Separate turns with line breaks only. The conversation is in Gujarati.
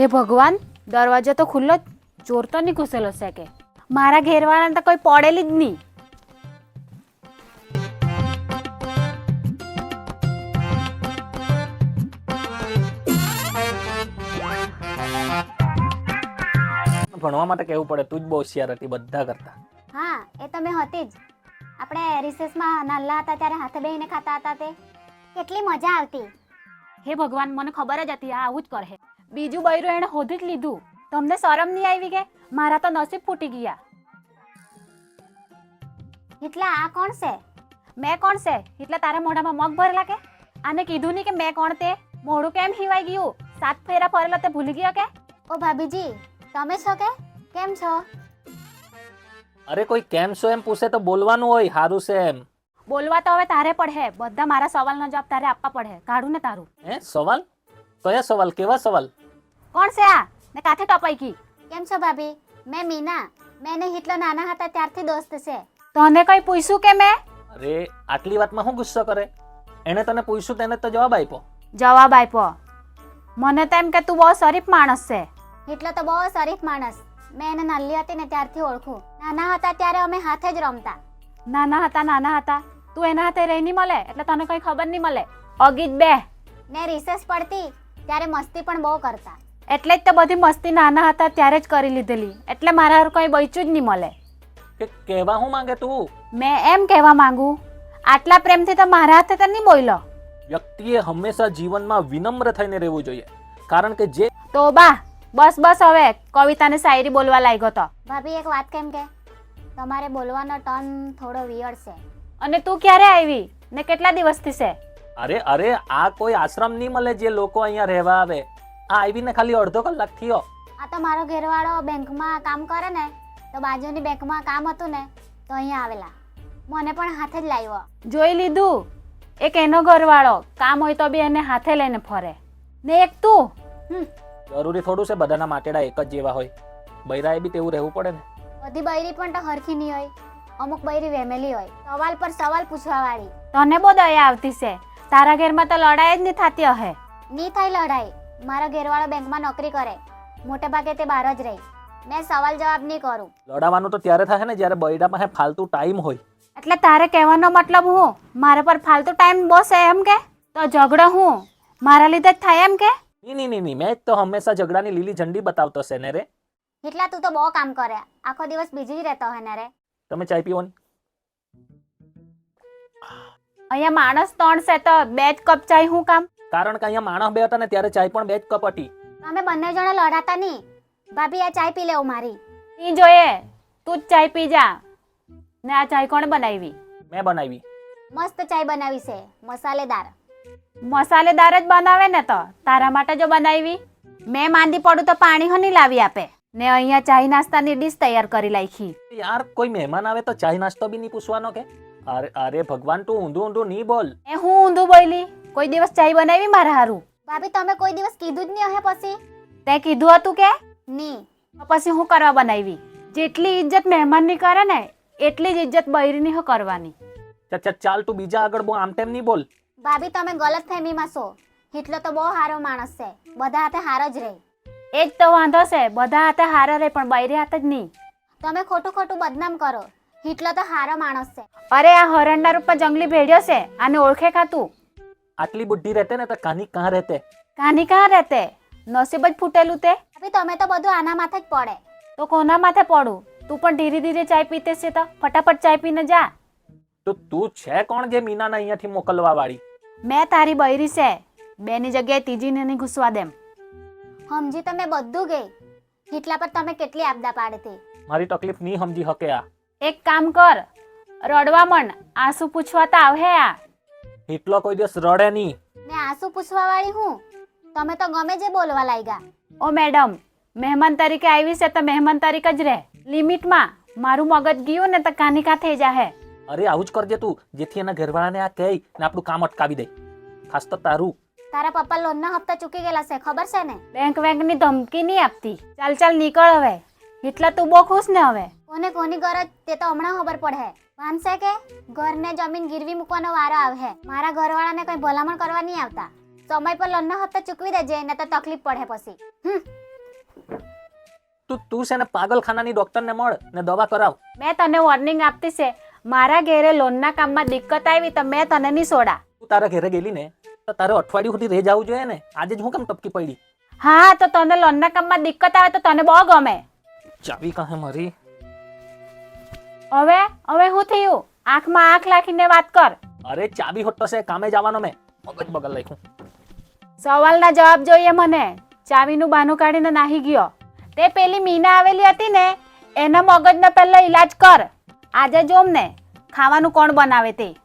હે ભગવાન, દરવાજો તો ખુલ્લો, ચોર તો નહીં ઘૂસેલો છે કે મારા ઘેરવાળાને તો કોઈ પડેલી જ નહીં.
ભણવા માટે કહેવું પડે, તું જ બહુ હોશિયાર હતી બધા કરતા.
હા એ તો મેં હતી જ. આપણે રિસેસમાં નાના હતા ત્યારે હાથે બેહીને ખાતા હતા તે કેટલી મજા આવતી.
હે ભગવાન, મને ખબર જ હતી આ આવું જ કરે. બીજું બૈરું એને હોધી જ લીધું. તમને શરમ નહીં આવી કે? મારા તો નસીબ ફૂટી ગયા.
એટલા આ કોણ છે?
મેં કોણ છે એટલે તારા મોઢામાં મગ ભરેલા કે? આને કીધું નહીં કે મેં કોણ તે? મોઢું કેમ હિવાઈ ગયું? 7 ફેરા ફરેલા તે ભૂલી ગયો કે?
ઓ ભાભીજી, તમે છો કે? કેમ છો?
અરે કોઈ કેમ છો એમ પૂછે તો બોલવાનું હોય હારું છે એમ.
બોલવા તો હવે તારે પડે. બધા મારા સવાલનો જવાબ તારે આપવા પડે. કાઢું ને તારું.
હે સવાલ? કયા સવાલ? કેવા સવાલ?
કોણ છે આ ને કાથે ટપાઈ ગઈ?
કેમ છો ભાભી? મેં મીના. મેં ને હિટલો નાના હતા ત્યારથી દોસ્ત છે.
તને કઈ પૂછ્યું કે મેં?
અરે આટલી વાતમાં શું ગુસ્સો કરે? એને તને પૂછ્યું તેને તો જવાબ આપ્યો.
જવાબ આપ્યો. મને તો એમ કે તું બહુ શરીફ માણસ છે.
હિટલો તો બહુ શરીફ માણસ. મેં એને નાની હતી ને ત્યારથી ઓળખું. નાના હતા ત્યારે અમે હાથે જ રમતા.
નાના હતા તું એના હાથે રહી નહીં મળે એટલે તને કઈ ખબર નહીં મળે. અગીત બે
ને રિસેસ પડતી ત્યારે મસ્તી પણ બહુ કરતા.
એટલે જ તો બધી મસ્તી નાના હતા ત્યારે જ કરી લીધેલી. એટલે મારા હારું કઈ બચ્યું જ નહીં મળે.
કે કહેવા હું માંગે તું?
મેં એમ કહેવા માંગુ, આટલા પ્રેમથી તો મારા હાથે તો નહીં બોલ્યો.
વ્યક્તિએ હંમેશા જીવનમાં વિનમ્ર થઈને રહેવું જોઈએ. કારણ કે જે
તો બા બસ હવે કવિતાને શાયરી બોલવા લાગ્યો તો.
ભાભી એક વાત કેમ કે તમારે બોલવાનો ટર્ન થોડો વિયર્ડ છે.
અને તું ક્યારે આવી ને કેટલા દિવસથી છે?
અરે આ કોઈ આશ્રમ નહીં મળે જે લોકો અહીંયા રહેવા આવે. આ આવીને ખાલી અડધો કલાક થયો.
આ તો મારો ઘરવાળો બેંકમાં કામ કરે ને, તો બાજુની બેંકમાં કામ હતું ને તો અહીંયા આવેલા. મને પણ હાથે જ લાવ્યો.
જોઈ લીધું? એક એનો ઘરવાળો કામ હોય તો બી એને હાથે લઈને ફરે ને એક તું.
જરૂરી થોડું છે બધાના માટેડા એક જ જેવા હોય? બૈરાએ બી તેવું રહેવું પડે ને.
બધી બૈરી પણ તો હરખી નહીં હોય. અમુક બૈરી વેમેલી હોય, સવાલ પર સવાલ પૂછવા વાળી.
તને બહુ દયા આવતી છે. તારા ઘરમાં તો લડાઈ જ નહીં થતી હશે.
નહીં થાય લડાઈ. મારો ઘરવાળો બેંકમાં નોકરી કરે, મોટે ભાગે તે બહાર જ રહી. મેં સવાલ જવાબ નહીં કરું.
લડાવાનું તો ત્યારે થાય ને જ્યારે બૈરા પાસે ફાલતુ ટાઈમ હોય.
એટલે તારે કહેવાનો મતલબ હું મારા પર ફાલતુ ટાઈમ બહુ છે એમ કે? તો ઝઘડો હું મારા લીધે જ થાય એમ કે?
નહીં મેં જ તો હંમેશા ઝઘડાની લીલી ઝંડી બતાવતો છે ને રે.
એટલા તું તો બહુ કામ કરે, આખો દિવસ બીજી જ રહેતો હોય ને રે.
તમે ચાય પીવો ને?
અહીંયા માણસ 3 છે તો 2 જ કપ ચાય હું કામ?
કારણ કે અહીંયા માણસ બે હતા ને ત્યારે ચાય પણ 2 જ કપ હતી.
તમે બંને જણા લડાતા નહીં. ભાભી આ ચાય પી લેવું મારી.
નહીં જોઈએ, તું જ ચાય પી જા. ને આ ચાય કોણે બનાવી?
મેં બનાવી.
મસ્ત ચાય બનાવી છે, મસાલેદાર.
મસાલેદાર જ બનાવે ને તો તારા માટે જો બનાવી. મેં માંદી પડું તો પાણી હો નહીં લાવી આપે ને અહીંયા ચાય નાસ્તાની ડીશ તૈયાર કરી લાખી.
યાર કોઈ મહેમાન આવે તો ચાય નાસ્તો બી નહીં પૂછવાનો કે? અરે ભગવાન, તું ઊંધું નહીં બોલ.
એ હું ઊંધું બોલી? કોઈ દિવસ ચાય બનાવી મારા હારું?
ભાભી તમે કોઈ દિવસ કીધું જ નહીં હે પછી?
તે કીધું હતું કે
નહીં?
તો પછી હું કરવા બનાવી? જેટલી ઇજ્જત મહેમાનની કરે ને એટલી જ ઇજ્જત બૈરીની હો કરવાની.
ચાલ તું બીજા આગળ બહુ આમ તેમ નહીં બોલ.
ભાભી તમે ગલત ફહેમીમાં છો. હિટલો તો બહુ સારો માણસ છે, બધા હાથે હારો જ રહે.
એ જ તો વાંધો છે, બધા હાથે હારા રહે પણ બૈરી હાથે જ નહીં.
તમે ખોટું બદનામ કરો. હિટલો તો સારો માણસ છે.
અરે આ હરણના રૂપમાં જંગલી ભેડ્યો છે, આને ઓળખે ખાતું?
આટલી બુદ્ધિ રહેતે ને તો કાની કાં રહેતે?
કાની કાં રહેતે? નસીબ જ ફૂટેલું તે.
ભાભી તમે તો બધું આના માથે જ પડે.
તો કોના માથે પડું? તું પણ ધીરે ધીરે ચાય પીતે છે તો ફટાફટ ચાય પીને જા.
તો તું છે કોણ જે મીનાને અહીંયાથી મોકલવા વાળી?
મેં તારી બૈરી છે, 2ની જગ્યાએ 3જીને નહીં ઘૂસવા દેમ.
સમજી તમે બધું ગઈ. હિટલા પર તમે કેટલી આપદા પાડતી.
મારી તકલીફ નહીં સમજી શકે આ.
એક કામ કર, રડવા માંડ. આંસુ પૂછવા તો આવે આ.
એટલો કોઈ દિવસ રડે નહીં.
મેં આંસુ પૂછવા વાળી હું? તમે તો ગમે જે બોલવા લાગ્યા.
ઓ મેડમ, મહેમાન તરીકે આવી છે તો મહેમાન તરીકે જ રહે, લિમિટમાં. મારું મગજ ગયું ને તો કાનિકા થઈ જાહે.
અરે આવું જ કરજે તું, જેથી એના ઘરવાળાને આ કહી ને આપણું કામ અટકાવી દે. ખાસ તો તારું.
તારા પપ્પા લોનના હપ્તા ચૂકી ગયેલા છે, ખબર છે ને?
બેંકની ધમકી નહીં આપતી. ચાલ નીકળ હવે. એટલે તું બહુ ખુશ ને હવે?
કોની ગરજ તે તો હમણાં ખબર પડે. માનશે કે ઘરને જમીન ગીરવી મૂકવાનો વારો આવે. મારા ઘરવાળાને કઈ ભલામણ કરવા નહીં આવતા. સમય પર લોનના હપ્તા ચૂકવી દેજે ને તો તકલીફ પડે પછી.
તું છે ને પાગલખાનાની ડોક્ટરને મળ ને દવા કરાવ.
મેં તને વોર્નિંગ આપતી છે, મારા ઘેરે લોનના કામમાં દિક્કત આવી તો મેં તને નહીં છોડા.
તું તારા ઘરે ગયેલી ને તો તારે અઠવાડિયું સુધી રહી જવું જોઈએ ને. આજે જ હું કેમ ટપકી પડી?
હા તો તને લોનના કામમાં દિક્કત આવે તો તને બહુ ગમે.
ચાવી કાહે મારી?
હવે શું થયું? આંખમાં આંખ રાખીને વાત કર.
અરે ચાવી હોતો છે, કામે જવાનો મેં. મગજ બગલ લખ્યું.
સવાલના જવાબ જોઈએ મને. ચાવીનું બહાનું કાઢીને નાહી ગયો. તે પેલી મીના આવેલી હતી ને એના મગજનો પહેલો ઈલાજ કર. આજે જોમ ને ખાવાનું કોણ બનાવે તે.